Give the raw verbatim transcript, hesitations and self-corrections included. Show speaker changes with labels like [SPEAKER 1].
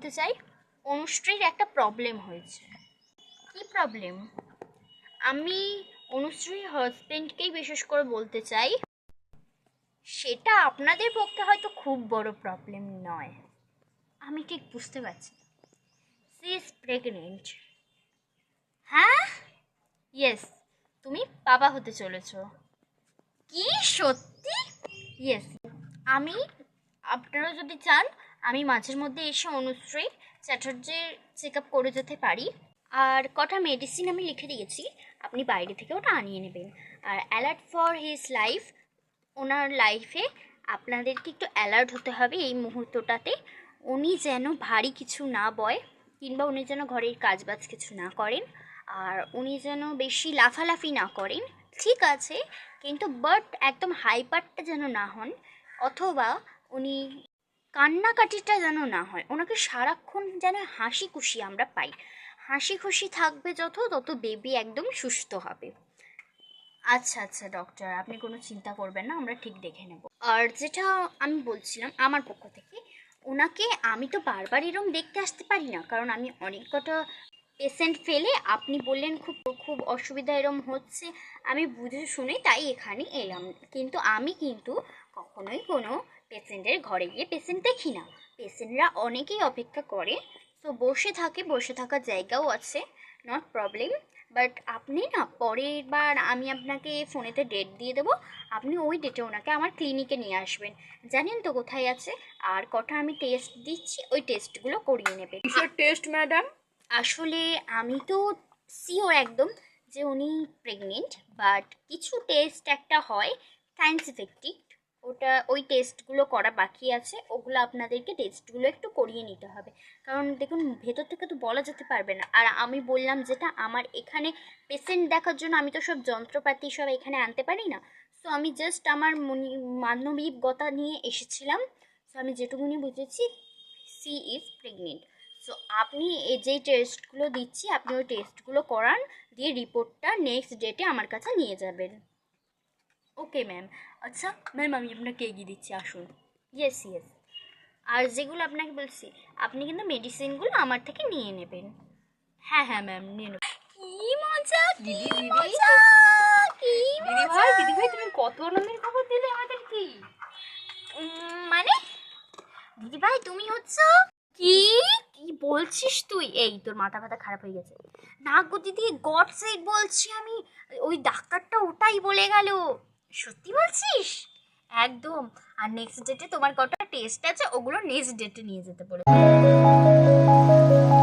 [SPEAKER 1] বলতে চাই, অনুশ্রীর একটা প্রবলেম হয়েছে। কি প্রবলেম? আমি অনুশ্রীর হাজবেন্ডকেই বিশেষ করে বলতে চাই, সেটা আপনাদের পক্ষে হয়তো খুব বড় প্রবলেম নয়, আমি ঠিক বুঝতে পারছি। She is pregnant. হ্যাঁ, ইয়েস, তুমি বাবা হতে চলেছ। কি সত্যি? ইয়েস। আমি, আপনারা যদি চান আমি মাঝের মধ্যে এসে অনুশ্রী চ্যাটার্জির চেক আপ করে যেতে পারি। আর কটা মেডিসিন আমি লিখে দিয়েছি, আপনি বাইরে থেকে ওটা আনিয়ে নেবেন। আর অ্যালার্ট ফর হিজ লাইফ, ওনার লাইফে আপনাদেরকে একটু অ্যালার্ট হতে হবে এই মুহূর্তটাতে। উনি যেন ভারী কিছু না বয়, কিংবা উনি যেন ঘরের কাজবাজ কিছু না করেন, আর উনি যেন বেশি লাফালাফি না করেন, ঠিক আছে, কিন্তু বাট একদম হাইপারটা যেন না হন, অথবা উনি কান্নাকাটিটা যেন না হয়। ওনাকে সারাক্ষণ যেন হাসি খুশি আমরা পাই। হাসি খুশি থাকবে যত, তত বেবি একদম সুস্থ হবে। আচ্ছা আচ্ছা ডক্টর, আপনি কোনো চিন্তা করবেন না, আমরা ঠিক দেখে নেব। আর যেটা আমি বলছিলাম আমার পক্ষ থেকে, ওনাকে আমি তো বারবার এরম দেখতে আসতে পারি না, কারণ আমি অনেক কটা পেশেন্ট ফেলে, আপনি বললেন খুব খুব অসুবিধা এরম হচ্ছে, আমি বুঝে শুনে তাই এখানে এলাম। কিন্তু আমি কিন্তু কখনোই কোনো পেশেন্টের ঘরে গিয়ে পেশেন্ট দেখি না। পেশেন্টরা অনেকেই অপেক্ষা করে, তো বসে থাকে, বসে থাকার জায়গাও আছে, নট প্রবলেম। বাট আপনি না পরের বার আমি আপনাকে ফোনেতে ডেট দিয়ে দেবো, আপনি ওই ডেটে ওনাকে আমার ক্লিনিকে নিয়ে আসবেন। জানেন তো কোথায় আছে? আর কটা আমি টেস্ট দিচ্ছি, ওই টেস্টগুলো করিয়ে নেবেন।
[SPEAKER 2] কিসের টেস্ট ম্যাডাম?
[SPEAKER 1] আসলে আমি তো শিওর একদম যে উনি প্রেগনেন্ট, বাট কিছু টেস্ট একটা হয় সায়েন্স ইফেক্টিভ, ওটা ওই টেস্টগুলো করা বাকি আছে, ওগুলো আপনাদেরকে টেস্টগুলো একটু করিয়ে নিতে হবে। কারণ দেখুন, ভেতর থেকে তো বলা যেতে পারবে না। আর আমি বললাম যেটা, আমার এখানে পেশেন্ট দেখার জন্য আমি তো সব যন্ত্রপাতি সব এখানে আনতে পারি না। সো আমি জাস্ট আমার মনি মানবিকতা নিয়ে এসেছিলাম। সো আমি যেটুকুনি বুঝেছি, সি ইজ প্রেগনেন্ট। সো আপনি এই যেই টেস্টগুলো দিচ্ছি, আপনি ওই টেস্টগুলো করান, দিয়ে রিপোর্টটা নেক্সট ডেটে আমার কাছে নিয়ে যাবেন।
[SPEAKER 2] Okay ma'am. আচ্ছা ম্যাম, আমি আপনাকে এগিয়ে দিচ্ছি, আসুন।
[SPEAKER 1] Yes yes. আর যেগুলো আপনাকে বলছি, আপনি কিন্তু মেডিসিনগুলো আমার থেকে নিয়ে নেবেন।
[SPEAKER 2] হ্যাঁ হ্যাঁ ম্যাম, নিয়ে নেব।
[SPEAKER 1] কি মজা, কি
[SPEAKER 2] দিদি দিদি
[SPEAKER 1] মজা, কি
[SPEAKER 2] দিদি
[SPEAKER 1] মজা।
[SPEAKER 2] ভাই দিদি ভাই তুমি কত আনন্দের খবর দিলে আমাদের কি?
[SPEAKER 1] উম, মানে দিদি ভাই তুমি হচ্ছ কি? কি বলছিস তুই? এই তোর মাথা ব্যথা খারাপ হয়ে গেছে? না গো দিদি, গড সেড বলছি আমি, ওই ডাক্তারটা ওটাই বলে গেল। সত্যি বলছিস? একদম। আর নেক্সট ডেটে তোমার কটা টেস্ট আছে, ওগুলো নেক্সট ডেটে নিয়ে যেতে বলে।